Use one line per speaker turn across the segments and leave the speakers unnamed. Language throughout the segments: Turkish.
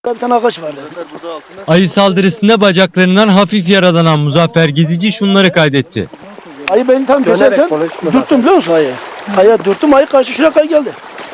Bir tane ağaç vardı.
Ayı saldırısında bacaklarından hafif yaralanan Muzaffer Gezici şunları kaydetti.
Ayı beni tam geçerken dürttüm biliyor musun ayı? Ayı dürttüm, ayı kaçtı şuraya kadar geldi.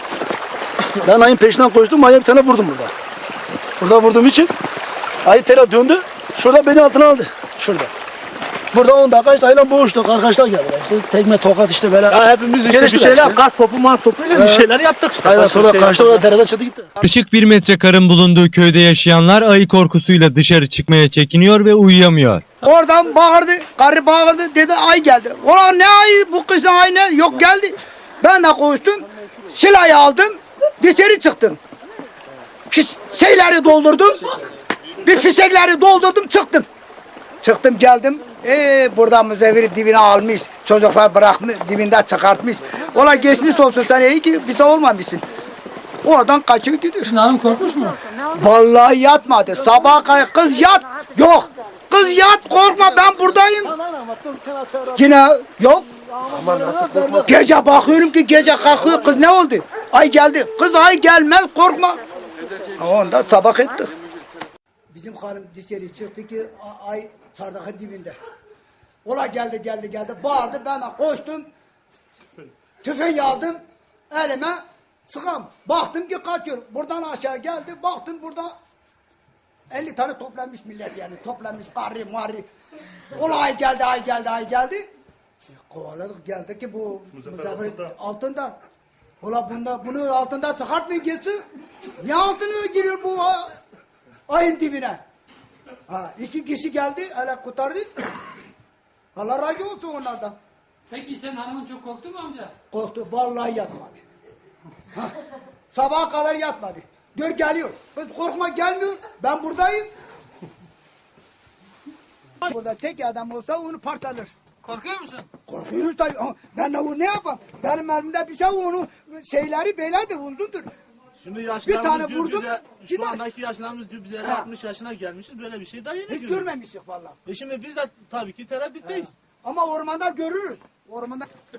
Ben ayın peşinden koştum, ayıya bir tane vurdum burada. Burada vurduğum için ayı tela döndü, şurada beni altına aldı. Şurada. Burada 10 dakika işte ayıyla boğuştuk, arkadaşlar geldiler. İşte tekme, tokat işte böyle.
Ya hepimiz işte bir şeyler, kar topu, mar topuyla bir şeyler yaptık işte.
Aynen sonra kaçtı, orada derede çıktı gitti.
Işık 1 metre karın bulunduğu köyde yaşayanlar ayı korkusuyla dışarı çıkmaya çekiniyor ve uyuyamıyor.
Oradan bağırdı, karı bağırdı, dedi ay geldi. Ulan ne ayı, bu kızın ayı ne? Yok geldi. Ben de koştum, silahı aldım, dışarı çıktım. Şeyleri doldurdum, bir fişekleri doldurdum, çıktım. Çıktım geldim, burada mızeviri dibine almış, çocuklar bırakmış, dibinde çıkartmış. Ola geçmiş olsun sen, iyi ki bize olmamışsın. Oradan kaçıyor gidiyor.
Sizin hanım korkmuş mu?
Vallahi yatmadı, sabaha kadar kız yat, yok. Kız yat korkma ben buradayım. Yine yok. Gece bakıyorum ki gece kalkıyor kız ne oldu? Ay geldi. Kız ay gelmez korkma. Onda sabah ettik. Bizim hanım dışarı çıktı ki ay çardakın dibinde. Ola geldi. Bağırdı ben de koştum. Tüfeği aldım elime sıkam. Baktım ki kaçıyor. Buradan aşağı geldi. Baktım burada 50 tane toplanmış millet yani. Toplanmış karri marri. Ola ay geldi. Kovaladık geldi ki bu Muzaffer altında. Ola bunu altında çıkartmayın geçsin. Ne altına giriyor bu ayın dibine? Ha, 2 kişi geldi, hele kurtardı. Allah razı olsun onlardan.
Peki sen hanımın çok korktu mu amca?
Korktu, vallahi yatmadı. Ha, sabaha kadar yatmadı. Gör geliyor. Kız korkma gelmiyor, ben buradayım. Burada tek adam olsa onu parçalar.
Korkuyor musun?
Korkuyoruz tabii. Ama ben onu ne yapayım? Benim elimde bir şey onu şeyleri beylerdir, uzundur.
Şimdi
Bir
yaşlarımız
tane
diyor
vurdum,
bize,
gider.
şu andaki yaşlarımız diyor bize 60 yaşına gelmişiz böyle bir şey daha yeni
Hiç
görüyoruz.
görmemiştik vallahi.
Şimdi biz de tabii ki tereddütteyiz.
Ama ormanda görürüz. Ormanda